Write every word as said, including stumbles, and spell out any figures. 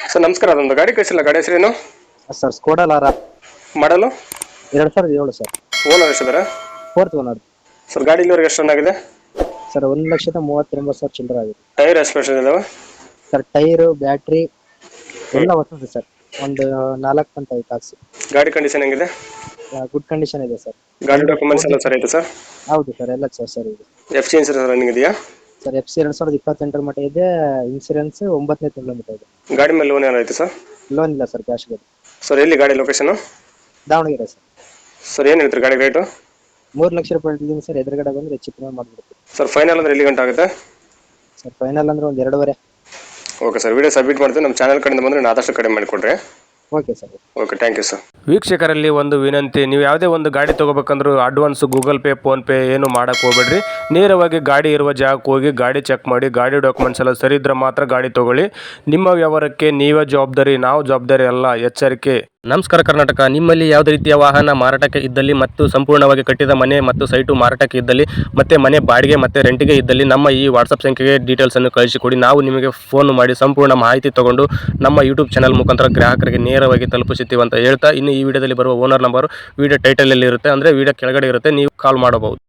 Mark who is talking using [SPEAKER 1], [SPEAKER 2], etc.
[SPEAKER 1] Sir ನಮಸ್ಕಾರ, ಅದೊಂದು ಗಾಡಿ ಕಳಿಸಿಲ್ಲ, ಗಾಡಿ ಹೆಸರೇನು?
[SPEAKER 2] ಸರ್ ಸ್ಕೋಡಾ ಲಾರ
[SPEAKER 1] ಮಾಡಲು
[SPEAKER 2] ಎರಡು ಸಾವಿರದ ಏಳು ಸರ್.
[SPEAKER 1] ಓನರ್ ಎಷ್ಟಿದ್ದಾರೆ?
[SPEAKER 2] ಫೋರ್ತ್ ಓನರ್
[SPEAKER 1] ಸರ್ ಗಾಡಿ ಇಲ್ಲಿವರೆಗೆ ಎಷ್ಟು ರನ್ ಆಗಿದೆ?
[SPEAKER 2] ಸರ್ ಒಂದು ಲಕ್ಷದ ಮೂವತ್ತೊಂಬತ್ತು ಸಾವಿರ ಚಿಲ್ಲರೆ ಆಗಿದೆ.
[SPEAKER 1] ಟೈರ್ ಎಷ್ಟು ಪರ್ಸೆಂಟ್ ಇದಾವೆ?
[SPEAKER 2] ಸರ್ ಟೈರು ಬ್ಯಾಟ್ರಿ ಎಲ್ಲ ಹೊಸದು ಸರ್. ಒಂದು ನಾಲ್ಕು ಅಂತ ಐದು ಕಾಸು.
[SPEAKER 1] ಗಾಡಿ ಕಂಡೀಷನ್ ಹೆಂಗಿದೆ?
[SPEAKER 2] ಗುಡ್ ಕಂಡೀಷನ್ ಇದೆ ಸರ್.
[SPEAKER 1] ಗಾಡಿ ಡಾಕ್ಯುಮೆಂಟ್ಸ್ ಎಲ್ಲ ಸರಿ ಐತೆ ಸರ್?
[SPEAKER 2] ಹೌದು ಸರ್, ಎಲ್ಲ ಸರ್ ಸರಿ ಇದೆ.
[SPEAKER 1] ಎಫ್ ಸಿ ಇನ್ಸೂರೆನ್ಸ್ ರನ್ನಿಂಗ್ ಇದೆಯಾ?
[SPEAKER 2] ಸರ್ ಎಫ್ ಸಿ ಎರಡು ಸಾವಿರದ ಇಪ್ಪತ್ತೆಂಟರ ಮಟ್ಟ ಇದೆ. ಇನ್ಸೂರೆನ್ಸ್ ಒಂಬತ್ತನೇ ತಿಂಗಳ ಮಟ್ಟ ಇದೆ.
[SPEAKER 1] ಗಾಡಿ ಮೇಲೆ ಲೋನ್ ಏನಾಯ್ತು ಸರ್?
[SPEAKER 2] ಲೋನ್ ಇಲ್ಲ ಸರ್, ಕ್ಯಾಶ್ ಇದೆ.
[SPEAKER 1] ಸರ್ ಎಲ್ಲಿ ಗಾಡಿ ಲೊಕೇಶನ್?
[SPEAKER 2] ದಾವಣಗೆರೆ ಸರ್.
[SPEAKER 1] ಸರ್ ಏನು ಹೇಳ್ತೀರಿ ಗಾಡಿ ರೇಟು?
[SPEAKER 2] ಮೂರು ಲಕ್ಷ ರೂಪಾಯಿ ಇಟ್ಟಿದ್ದೀನಿ ಸರ್. ಎದುರುಗಡೆ ಬಂದರೆ ಹೆಚ್ಚು ಕಡಿಮೆ ಮಾಡಿಬಿಡ್ತೀವಿ.
[SPEAKER 1] ಸರ್ ಫೈನಲ್ ಅಂದ್ರೆ ಎಲ್ಲಿ ಗಂಟೆ ಆಗುತ್ತೆ?
[SPEAKER 2] ಸರ್ ಫೈನಲ್ ಅಂದ್ರೆ ಒಂದು ಎರಡೂವರೆ.
[SPEAKER 1] ಓಕೆ ಸರ್, ವಿಡಿಯೋ ಸಬ್ಮಿಟ್ ಮಾಡ್ತೀವಿ. ನಮ್ಮ ಚಾನಲ್ ಕಡೆಯಿಂದ ಬಂದರೆ ನಾನು ಆದಷ್ಟು ಕಡಿಮೆ ಮಾಡಿಕೊಡ್ರಿ.
[SPEAKER 2] Okay sir.
[SPEAKER 1] Okay, thank you sir.
[SPEAKER 3] ವೀಕ್ಷಕರಲ್ಲಿ ಒಂದು ವಿನಂತಿ, ನೀವು ಯಾವುದೇ ಒಂದು ಗಾಡಿ ತೊಗೋಬೇಕಂದ್ರೂ ಅಡ್ವಾನ್ಸ್ ಗೂಗಲ್ ಪೇ ಫೋನ್ಪೇ ಏನು ಮಾಡೋಕ್ಕೆ ಹೋಗ್ಬೇಡ್ರಿ. ನೇರವಾಗಿ ಗಾಡಿ ಇರುವ ಜಾಗಕ್ಕೆ ಹೋಗಿ ಗಾಡಿ ಚೆಕ್ ಮಾಡಿ, ಗಾಡಿ ಡಾಕ್ಯುಮೆಂಟ್ಸ್ ಎಲ್ಲ ಸರಿ ಇದ್ರೆ ಮಾತ್ರ ಗಾಡಿ ತೊಗೊಳ್ಳಿ. ನಿಮ್ಮ ವ್ಯವಹಾರಕ್ಕೆ ನೀವೇ ಜವಾಬ್ದಾರಿ, ನಾವು ಜವಾಬ್ದಾರಿ ಅಲ್ಲ, ಎಚ್ಚರಿಕೆ. ನಮಸ್ಕಾರ ಕರ್ನಾಟಕ. ನಿಮ್ಮಲ್ಲಿ ಯಾವುದೇ ರೀತಿಯ ವಾಹನ ಮಾರಾಟಕ್ಕೆ ಇದ್ದಲ್ಲಿ ಮತ್ತು ಸಂಪೂರ್ಣವಾಗಿ ಕಟ್ಟಿದ ಮನೆ ಮತ್ತು ಸೈಟು ಮಾರಾಟಕ್ಕೆ ಇದ್ದಲ್ಲಿ ಮತ್ತು ಮನೆ ಬಾಡಿಗೆ ಮತ್ತು ರೆಂಟಿಗೆ ಇದ್ದಲ್ಲಿ ನಮ್ಮ ಈ ವಾಟ್ಸಪ್ ಸಂಖ್ಯೆಗೆ ಡೀಟೇಲ್ಸನ್ನು ಕಳಿಸಿಕೊಡಿ. ನಾವು ನಿಮಗೆ ಫೋನ್ ಮಾಡಿ ಸಂಪೂರ್ಣ ಮಾಹಿತಿ ತಗೊಂಡು ನಮ್ಮ ಯೂಟ್ಯೂಬ್ ಚಾನಲ್ ಮುಖಾಂತರ ಗ್ರಾಹಕರಿಗೆ ನೇರವಾಗಿ ತಲುಪಿಸುತ್ತೀವಿ ಅಂತ ಹೇಳ್ತಾ, ಇನ್ನು ಈ ವಿಡಿಯೋದಲ್ಲಿ ಬರುವ ಓನರ್ ನಂಬರ್ ವಿಡಿಯೋ ಟೈಟಲಲ್ಲಿ ಇರುತ್ತೆ, ಅಂದರೆ ವಿಡಿಯೋ ಕೆಳಗಡೆ ಇರುತ್ತೆ, ನೀವು ಕಾಲ್ ಮಾಡಬಹುದು.